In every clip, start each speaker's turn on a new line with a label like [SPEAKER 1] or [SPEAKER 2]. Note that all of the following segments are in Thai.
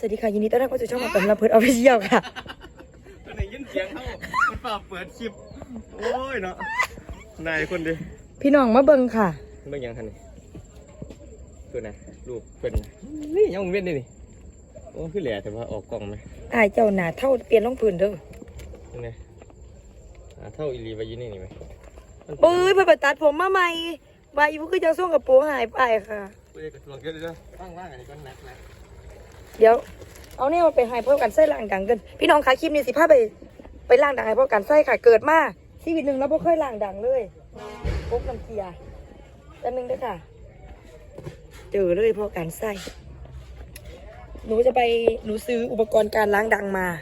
[SPEAKER 1] วัสดีค่ะยินดีต้อนรับเข้าสู่ช่องมาเป็นลำเพิดออฟฟิเชียลค่ะ
[SPEAKER 2] ตอนไหนยินเสียงเขามันเปล่าเปิดคลิปโอ้ยเนาะนายคนดิ
[SPEAKER 1] พี่น้องมาเบิ่งค่ะ
[SPEAKER 2] เบิ่งยังทันนี่ตัวไหนรูปเป็นนี่ยังเว้นนี่โอ้คือแหล่แต่ว่าออกกล้องไหม
[SPEAKER 1] อายเจ้าหน้าเท่าเปลี่ยนรองพื้นเด้อ
[SPEAKER 2] ยังไงเท่าอีลีไปยืนนี่ไหม
[SPEAKER 1] เอ้ยเพิ่นไปตัดผมมาใหม่ว่าอีพวกคือจะส่งกับโปรงหายไปค่ะ
[SPEAKER 2] เฮ้ยกระทรวงเยอะเลยว่างอันนี้ก็นัก
[SPEAKER 1] เดี๋ยวเอาเนี่ยมาไปหายเพิ่มกันไส้ล่างดังกันพี่น้องคะคลิปนี้สิพาไปล่างดังให้เพิ่มกันไส้ค่ะเกิดมาชีวิตหนึ่งแล้วบ่เคยล่างดังเลยพบน้ำเกลียแต่นึงด้วยค่ะเจอเลยเพิ่มกันไส้หนูซื้ออุปกรณ์การล้างดังมา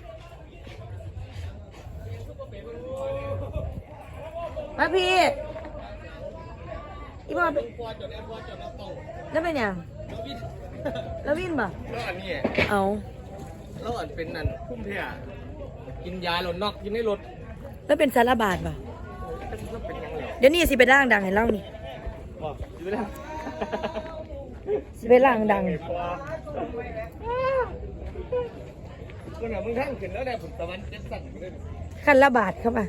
[SPEAKER 1] พี่อีบอลแล้วเป็นยังแล้ววินป่ะ
[SPEAKER 2] แล้วอันนี้
[SPEAKER 1] เอา
[SPEAKER 2] แล้วอันเป็นนั่นพุ่มเพียกินยาหล่นนอกกินในรถ
[SPEAKER 1] แล้วเป็นสารบาดป่ะ
[SPEAKER 2] เป็นยังไง
[SPEAKER 1] เดี๋ยวนี้สิไปล่างดังให้เล่านี่
[SPEAKER 2] อยู่แล้ว
[SPEAKER 1] สิไปล่างดัง
[SPEAKER 2] คนอ่ะมึงทั้งขึ้นแล้วได้ผลตะวันเจ็ดสั่นเลย
[SPEAKER 1] คันละบาทเข้ามา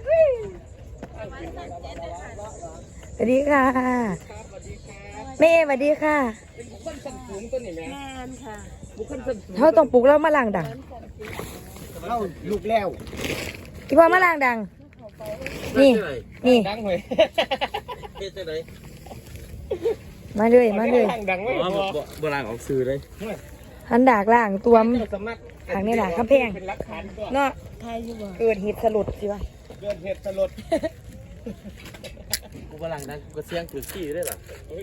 [SPEAKER 1] สวัสดีค่ะแม่สวัสดีค่ะ
[SPEAKER 2] เป็นบุคคลชั้นสูงตัวนี้แม่
[SPEAKER 1] ค่ะบุคคลชั้นสูงเขาต้องปลุกแล้วมาล่างดัง
[SPEAKER 2] เล่าลูกแล้ว
[SPEAKER 1] ที่พ่อมาล่างดังนี่
[SPEAKER 2] ดังเลยเฮ็ดจังได๋
[SPEAKER 1] มาเลย
[SPEAKER 2] ดังไว้บ่ล่างออกสื่อเลย
[SPEAKER 1] หันดากล่างตัวมทางนี้ล่ะคำแพงเนาะเกิดเหตุสลดสิวะ
[SPEAKER 2] เกิดเหตุสลดกูบ่ล่างดังกูเสียงถือขี้ได้หรอ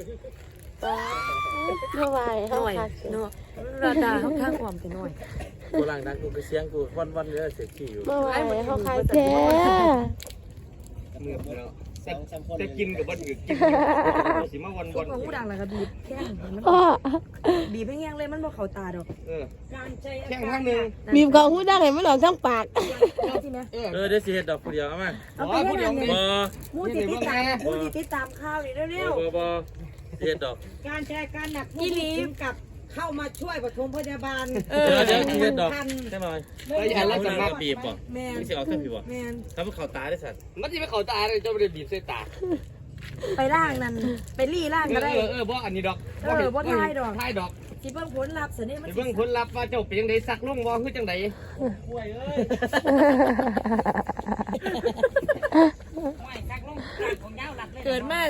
[SPEAKER 1] เท่าไหร่เนาะราดาเขาข้างความไปหน่อย
[SPEAKER 2] กูล่างดังกูไปเสียงกูวันเลยเสียขี้อยู่
[SPEAKER 1] เมื่อวานเขาขายแท้
[SPEAKER 2] มือแล้วจะกินกับบ้านอื่นกินสิมาวัน
[SPEAKER 1] ของผู้ดังนะครับบีบแข้งบีบให้แห้งเลยมันบอกเขาตาดอก
[SPEAKER 2] แข้งข้างนึง
[SPEAKER 3] บีบของผู้ดังเห็นมันหลอกทั้งปาก
[SPEAKER 2] เดี๋ยวสิเฮ็ดดอกผู้เดียวเอามา
[SPEAKER 1] ผู้เดียว
[SPEAKER 2] บ่
[SPEAKER 1] มูติดตามข่าวนี่เร็ว
[SPEAKER 2] ๆบ่เฮ็ดดอก
[SPEAKER 4] การแชร์การหนักผู้ถึงกับเข้ามาช่วยปฐมพยาบาล
[SPEAKER 2] เดี๋ยวเฮ็ดดอกใช่ไหมแล้วอย่าลักษณะบีบบ่ไม่สิเอาแค่บีบบ่ถ้ามันเข้าตาได้สั่นมันสิไม่เข้าตาเลยจะบ่ได้บีบใส่ตา
[SPEAKER 1] ไปล่างนั่นไปรี่ล่างก็ได้
[SPEAKER 2] บ่อันนี้ดอก
[SPEAKER 1] บ่ทายดอกสิเบิ่งผลลัพธ์ซะนี่
[SPEAKER 2] มันเบิ่งผลลัพธ์ว่าเจ้าเป็นจังได๋สักลงบ่คือจังได๋ป่วยเอ้ย
[SPEAKER 1] เกิดมา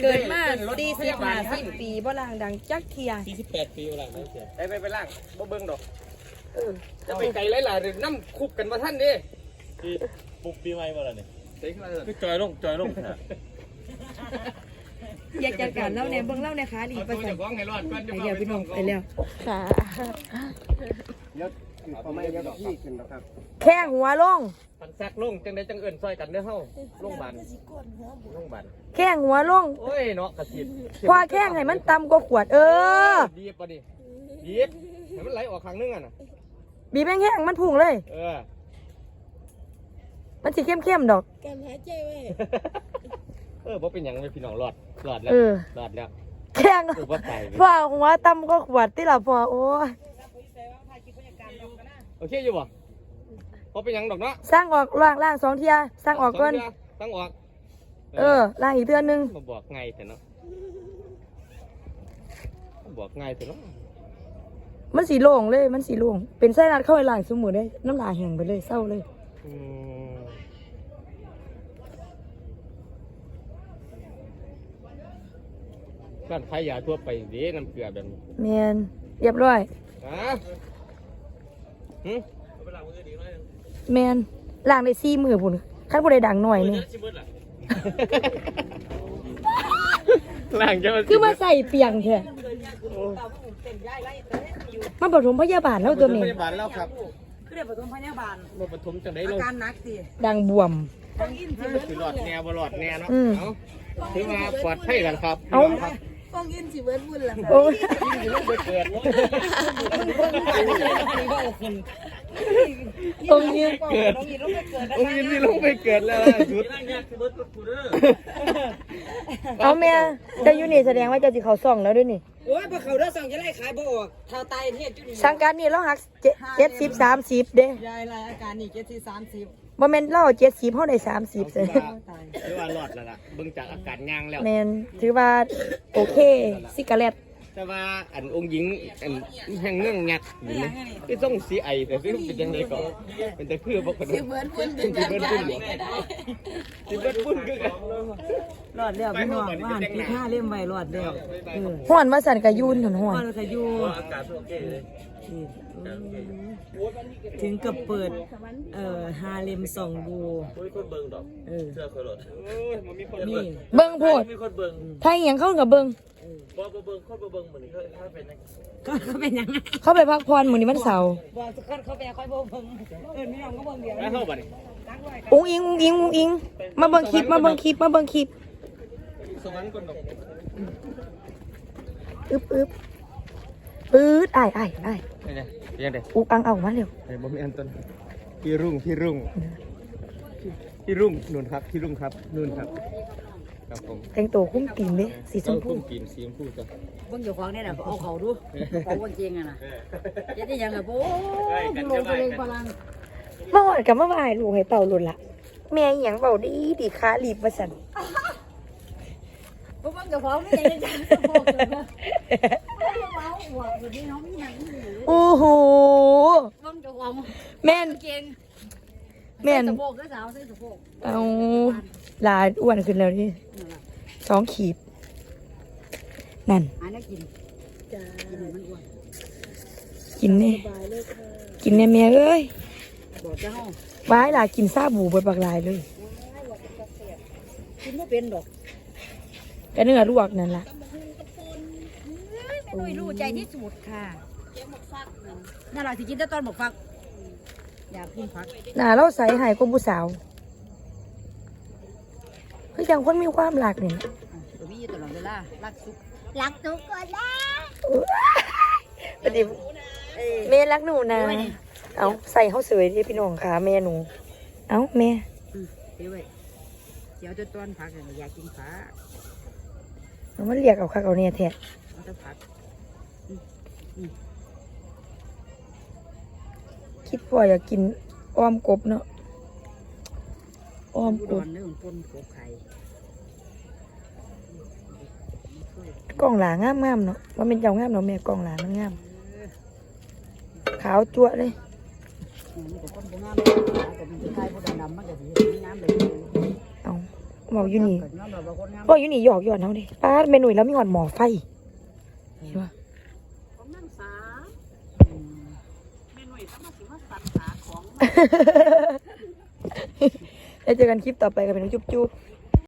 [SPEAKER 1] 40-50 ปีบ่ล่างดังจักเที่ย
[SPEAKER 2] 48ปีบ่ล่างดังเที่ยไปล่างบ่เบิ่งดอกจะไปไกลหลายๆน้ำคุบกันบ่ทันเด้ปุกปีใหม่บ่ล่ะนี่คือจอยลง
[SPEAKER 1] อยากจัดการเล่าแนวเบิ่งเล่านะคะดีประสานเดี๋ยวพี่น้องไปแล้ว
[SPEAKER 3] ค่ะ
[SPEAKER 2] เดี๋ยวเอาไม่เดี๋ยวพี่ขึ้นแล้วครับ
[SPEAKER 1] แข้งหัวลง
[SPEAKER 2] ทันซักลงจังได้จังเอิ้นซอยกันเด้อเฮาโรงพยาบาล
[SPEAKER 1] แข้งหัวลง
[SPEAKER 2] โอ้ยเนาะกระสิบ
[SPEAKER 1] คว้าแข้งให้มันต่ำกว่าขวด
[SPEAKER 2] บีบป่ะดิบีบให้มันไหลออกข้างนึงอ่ะนะ
[SPEAKER 1] บีบแห้งมันพุ่งเลยมันสิเข้มๆดอก
[SPEAKER 3] การหายใจไว้
[SPEAKER 2] บ่เป็นหยังเลยพี่น้องรอดแล้ว
[SPEAKER 1] แข้งพ่อหัวต่ำกว่าขวดที่เราพอโอ้ย
[SPEAKER 2] โอเคอยู่บ่พอเป็นหยังดอกเนาะ
[SPEAKER 1] สร้างออกล่าง2เที่ยสร้างออกก่อน
[SPEAKER 2] สร้างออก
[SPEAKER 1] ล่างอีกเดือนนึง
[SPEAKER 2] มาบอกไงเถอะเนาะบอกไงเถอะเนาะ
[SPEAKER 1] มันสีโล่งเลยมันสีโล่งเป็นไส้รัดเข้าไปล่างสมุนได้น้ำลายแห้งไปเลยเศร้าเลย
[SPEAKER 2] ร้านขายยาทั่วไปเด้น้ำเกลือแบบนี้
[SPEAKER 1] แมนเรียบร้อยแมนล่างได้4 มื้อพุ่นคันบ่ได้ดังหน่อยนึง
[SPEAKER 2] ล่างจะ
[SPEAKER 1] คือมาใส่เปียงแท้มาปฐมพยาบาลแล้วตัวนี้
[SPEAKER 2] พยาบาลแล้วครับ
[SPEAKER 4] คือได้ปฐมพยาบาล
[SPEAKER 2] บ่ปฐมจังได๋อา
[SPEAKER 4] การหนักสิ
[SPEAKER 1] ดังบวม
[SPEAKER 2] คือหลอดแนวบ่หลอดแนวเนาะถือว่าปลอดภัยกันครับ
[SPEAKER 3] ฟองอินสิเวิร์ดบุญล่ะ
[SPEAKER 1] โอ้ย
[SPEAKER 2] เกิด
[SPEAKER 1] องค์ยืน
[SPEAKER 2] เกิด
[SPEAKER 4] น้องยินลงไปเกิดนะ
[SPEAKER 2] องค์ยินนี่ลงไปเกิดแล้วล่ะสุด
[SPEAKER 1] เอาแม่เจะอยู่นี่แสดงว่าเจะสิเขาซ่องแล้วด้วยนี่
[SPEAKER 4] โอ้ยพอเขาเด้อสั่งจะไล่ขายบ่ออกเท่าตายเทศจุนี่
[SPEAKER 1] สังกัดนี่เราหัก70 30เด้
[SPEAKER 4] ยายรายอาการนี่70 30
[SPEAKER 1] บ่แม่นเรา70เฮาได้30เด้
[SPEAKER 2] ถือว่ารอดแล้วล่ะเบิ่งจากอาการย่างแล้ว
[SPEAKER 1] แม่นถือว่าโอเคซิกาเล็ต
[SPEAKER 2] แต่ว่าอันองค์หญิงอันแห่งเงื่องงักอยู่นี่ที่ต้องสีไอแต่ซึ่งเป็นยังไงก็เป็นแต่คือบอกกันว่า
[SPEAKER 3] เหมือนพุ่น
[SPEAKER 2] สิเบิดปุ้นสิเบิดปุ้นคือกัน
[SPEAKER 4] รอดแล้วพี่น้องว่าปีห้าเล่มไว้รอดแล้ว
[SPEAKER 1] ฮ้อนว่าสั่นก็ยูนหนฮ้อน
[SPEAKER 4] พ่อก็อยู่ถึงกับเปิดฮาเลมส่องดูนี่
[SPEAKER 1] เบิ่งโพดถ้าอีหยังเข้ากับเบิ่ง
[SPEAKER 4] ก็เป็นยังไง
[SPEAKER 1] เข้าไปพักผ่อนมื้อนี้วันเสาร์
[SPEAKER 4] บอกทุกคนเขาไปค่อยเบิ่งพี่น้องก็เบิ่งเดียว
[SPEAKER 2] แล้วเข้าบัดนี้
[SPEAKER 1] อุ้งอิงมาเบิ่งคลิปมาเบิ่งคลิป
[SPEAKER 2] สวรรค์คนดอก
[SPEAKER 1] อึบปื๊ดอ้าย
[SPEAKER 2] นี่ไงยังไง
[SPEAKER 1] อุกอังเอามาเร็ว
[SPEAKER 2] ไอ้บ่มีอันต้นพี่รุ่งนู่นครับพี่รุ่งครับนู่นครับครับผม
[SPEAKER 1] แต่งตัวคุ้มตีนเด้สีชมพู
[SPEAKER 2] ต้นกินสีชมพูจ้ะ
[SPEAKER 4] เบิ่งอยู่ของนี่น่ะเอาเขาดูของวันจริงอ่ะนะจะได้ยังไงโอ้ดูโลตัวเองพลัง
[SPEAKER 1] มาหอดกับมาบ่ายลูกให้เป่าหลุดละแม่อีหยังเป่าดีขารีบว่าซั่น
[SPEAKER 3] พวกมันกับของนี่ยังจะสะโพกเลยนะว้าวหัวอยู่นี่น้องมีหนังอยู่
[SPEAKER 1] โอ้โห
[SPEAKER 3] พวกมันกับของ
[SPEAKER 1] แม่น
[SPEAKER 3] เก่ง
[SPEAKER 1] แม่น
[SPEAKER 3] สะโพกก็สาวใส่สะโพก
[SPEAKER 1] เอาหลานอ้วนขึ้นแล้วนี่2 ขีดนั่น
[SPEAKER 4] อันนี้กินกินมันอ้วน
[SPEAKER 1] กินนี่กินเนี่ยแม่เอ้ย
[SPEAKER 4] บอกเจ้า
[SPEAKER 1] ว้ายหลากินซาบูเบิดบักหลายเลย
[SPEAKER 4] กินไม่เป็นดอก
[SPEAKER 1] ก็เนื้อลวกนั่นล่ะ
[SPEAKER 3] ไม่นุ้ยรู้ใจที่สุดค่ะน่ารักที่กินแต่ตอนบอกฟักอยากกินฟัก
[SPEAKER 1] หน้าเราใสหายกว่าผู้สาวคือจังคนมีความหลากนี่
[SPEAKER 4] ตัวพี่ตลอดเวลารักสุข
[SPEAKER 3] รักทุกคนนะ
[SPEAKER 1] ปฏิแม่รักหนูนะ เอาใส่เขาสวยที่พี่น้องค่ะแม่หนู เอาแม่
[SPEAKER 4] เดี๋ยวไว้เดี๋ยวจะต้อนผักเนี่ยอยากกินผัก
[SPEAKER 1] เอามันเรียกเอาคักเอาเนี่ยแท้
[SPEAKER 4] มันจะผัก
[SPEAKER 1] คิดว่าอยากกินอ้อมกบเนาะอ้อม
[SPEAKER 4] อุ
[SPEAKER 1] ก
[SPEAKER 4] ด
[SPEAKER 1] บ
[SPEAKER 4] รเรื่องปนกบไข่
[SPEAKER 1] กล่องหลางามๆเนาะว่าเป็นเจ้างามเนาะแม่กล่องหลามันงามขาวจั่วเลย
[SPEAKER 4] มันก็ต้นงามแต่มันจะไข่พวกดำมันก็สีน้ำเลย
[SPEAKER 1] เอาบอกอยู่นี่
[SPEAKER 4] เกิดน้ำเราบางคนงาม
[SPEAKER 1] บอกอยู่นี่หยอกหยอดเขาดิป้าเมนูแล้วมีหอดหมอไฟเห็นปะ
[SPEAKER 3] ของนั่งสาเมนูต้องมาสิว่าสันสาของ
[SPEAKER 1] แล้วเจอกันคลิปต่อไปกับเป็นจุ๊บ